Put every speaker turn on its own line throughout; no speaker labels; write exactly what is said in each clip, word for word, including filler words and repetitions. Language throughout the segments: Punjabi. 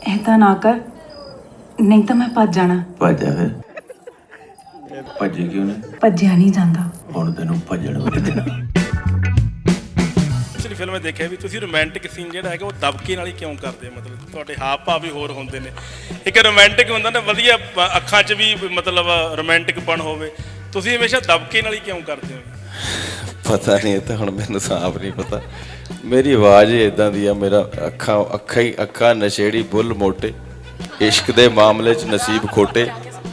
ऐसा ना कर, नहीं तो मैं भज जाना।
ਭੱਜ ਜਾ ਫਿਰ ਭੱਜੀ ਕਿਉਂ ਨੇ
ਭੱਜਿਆ ਨਹੀਂ ਜਾਂਦਾ।
ਹੁਣ ਤੈਨੂੰ ਭੱਜਣ ਵੀ ਨਹੀਂ ਦੇਣਾ।
ਪਿਛਲੀ ਫਿਲਮ ਵਿੱਚ ਦੇਖਿਆ ਵੀ ਤੁਸੀਂ ਰੋਮਾਂਟਿਕ ਸੀਨ ਜਿਹੜਾ ਹੈਗਾ ਉਹ ਦਬਕੇ ਨਾਲ ਹੀ ਕਿਉਂ ਕਰਦੇ ਹੋ? ਮਤਲਬ ਤੁਹਾਡੇ ਹਾਵ ਭਾਵ ਵੀ ਹੋਰ ਹੁੰਦੇ ਨੇ। ਇੱਕ ਰੋਮਾਂਟਿਕ ਹੁੰਦਾ ਨਾ ਵਧੀਆ ਪ- ਅੱਖਾਂ 'ਚ ਵੀ ਮਤਲਬ ਰੋਮਾਂਟਿਕ ਪਣ ਹੋਵੇ, ਤੁਸੀਂ ਹਮੇਸ਼ਾ ਦਬਕੇ ਨਾਲ ਹੀ ਕਿਉਂ ਕਰਦੇ ਹੋ?
ਪਤਾ ਨਹੀਂ, ਇਹ ਤਾਂ ਹੁਣ ਮੈਨੂੰ ਸਾਫ਼ ਨਹੀਂ ਪਤਾ। ਮੇਰੀ ਆਵਾਜ਼ ਹੀ ਇਦਾਂ ਦੀ ਆ, ਮੇਰਾ ਅੱਖਾਂ ਅੱਖਾਂ ਹੀ ਅੱਖਾਂ ਨਸ਼ੇੜੀ ਬੁੱਲ ਮੋਟੇ, ਇਸ਼ਕ ਦੇ ਮਾਮਲੇ 'ਚ ਨਸੀਬ ਖੋਟੇ,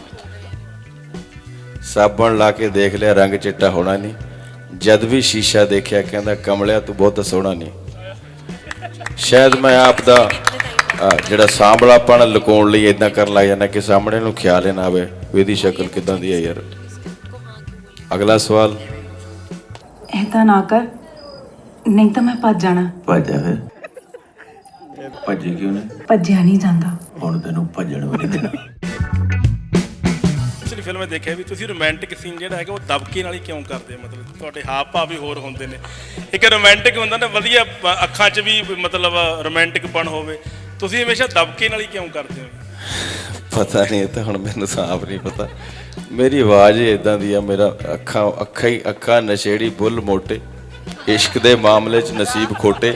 ਸਾਬਣ ਲਾ ਕੇ ਦੇਖ ਲਿਆ ਰੰਗ ਚਿੱਟਾ ਹੋਣਾ ਨਹੀਂ, ਜਦ ਵੀ ਸ਼ੀਸ਼ਾ ਦੇਖਿਆ ਕਹਿੰਦਾ ਕਮਲਿਆ ਤੂੰ ਬਹੁਤ ਸੋਹਣਾ ਨਹੀਂ। ਸ਼ਾਇਦ ਮੈਂ ਆਪ ਦਾ ਅਹ, ਜਿਹੜਾ ਸਾਂਭਲਾਪਣ ਲੁਕਾਉਣ ਲਈ ਇਦਾਂ ਕਰਨ ਲੱਗ ਜਾਂਦਾ ਕਿ ਸਾਹਮਣੇ ਨੂੰ ਖਿਆਲ ਹੀ ਨਾ ਆਵੇ ਵੀ ਇਹਦੀ ਸ਼ਕਲ ਕਿੱਦਾਂ ਦੀ ਹੈ ਯਾਰ। ਅਗਲਾ ਸਵਾਲ।
ऐसा ना कर, नहीं तो मैं भज जाना।
ਭੱਜ ਜਾ ਫਿਰ ਭੱਜੀ ਕਿਉਂ ਨੇ
ਭੱਜਿਆ ਨਹੀਂ ਜਾਂਦਾ।
ਹੁਣ ਤੈਨੂੰ ਭੱਜਣ ਵੀ ਨਹੀਂ ਦੇਣਾ।
ਪਿਛਲੀ ਫਿਲਮ ਵਿੱਚ ਦੇਖਿਆ ਵੀ ਤੁਸੀਂ ਰੋਮਾਂਟਿਕ ਸੀਨ ਜਿਹੜਾ ਹੈਗਾ ਉਹ ਦਬਕੇ ਨਾਲ ਹੀ ਕਿਉਂ ਕਰਦੇ ਹੋ? ਮਤਲਬ ਤੁਹਾਡੇ ਹਾਵ ਭਾਵ ਵੀ ਹੋਰ ਹੁੰਦੇ ਨੇ। ਇੱਕ ਰੋਮਾਂਟਿਕ ਹੁੰਦਾ ਨਾ ਵਧੀਆ ਪ- ਅੱਖਾਂ 'ਚ ਵੀ ਮਤਲਬ ਰੋਮਾਂਟਿਕ ਪਣ ਹੋਵੇ, ਤੁਸੀਂ ਹਮੇਸ਼ਾ ਦਬਕੇ ਨਾਲ ਹੀ ਕਿਉਂ ਕਰਦੇ ਹੋ?
ਪਤਾ ਨਹੀਂ, ਇਹ ਤਾਂ ਹੁਣ ਮੈਨੂੰ ਸਾਫ਼ ਨਹੀਂ ਪਤਾ। ਮੇਰੀ ਆਵਾਜ਼ ਹੀ ਇਦਾਂ ਦੀ ਆ, ਮੇਰਾ ਅੱਖਾਂ ਅੱਖਾਂ ਹੀ ਅੱਖਾਂ ਨਸ਼ੇੜੀ ਬੁੱਲ ਮੋਟੇ, ਇਸ਼ਕ ਦੇ ਮਾਮਲੇ 'ਚ ਨਸੀਬ ਖੋਟੇ,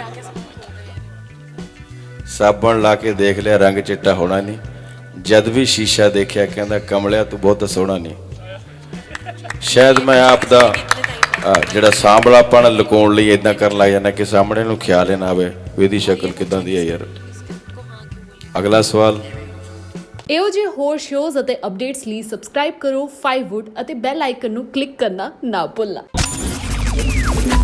ਸਾਬਣ ਲਾ ਕੇ ਦੇਖ ਲਿਆ ਰੰਗ ਚਿੱਟਾ ਹੋਣਾ ਨਹੀਂ, ਜਦ ਵੀ ਸ਼ੀਸ਼ਾ ਦੇਖਿਆ ਕਹਿੰਦਾ ਕਮਲਿਆ ਤੂੰ ਬਹੁਤ ਸੋਹਣਾ ਨਹੀਂ। ਸ਼ਾਇਦ ਮੈਂ ਆਪ ਦਾ ਅਹ, ਜਿਹੜਾ ਸਾਂਭਲਾਪਣ ਲੁਕਾਉਣ ਲਈ ਇਦਾਂ ਕਰਨ ਲੱਗ ਜਾਂਦਾ ਕਿ ਸਾਹਮਣੇ ਨੂੰ ਖਿਆਲ ਹੀ ਨਾ ਆਵੇ ਵੀ ਇਹਦੀ ਸ਼ਕਲ ਕਿੱਦਾਂ ਦੀ ਹੈ ਯਾਰ। ਅਗਲਾ ਸਵਾਲ।
ਇਹੋ ਜਿਹੇ ਹੋਰ ਸ਼ੋਜ਼ ਅਤੇ ਅਪਡੇਟਸ ਲਈ ਸਬਸਕ੍ਰਾਈਬ ਕਰੋ ਫਾਈਵ ਵੁੱਡ ਅਤੇ ਬੈਲ ਆਈਕਨ ਨੂੰ ਕਲਿੱਕ ਕਰਨਾ ਨਾ ਭੁੱਲਣਾ।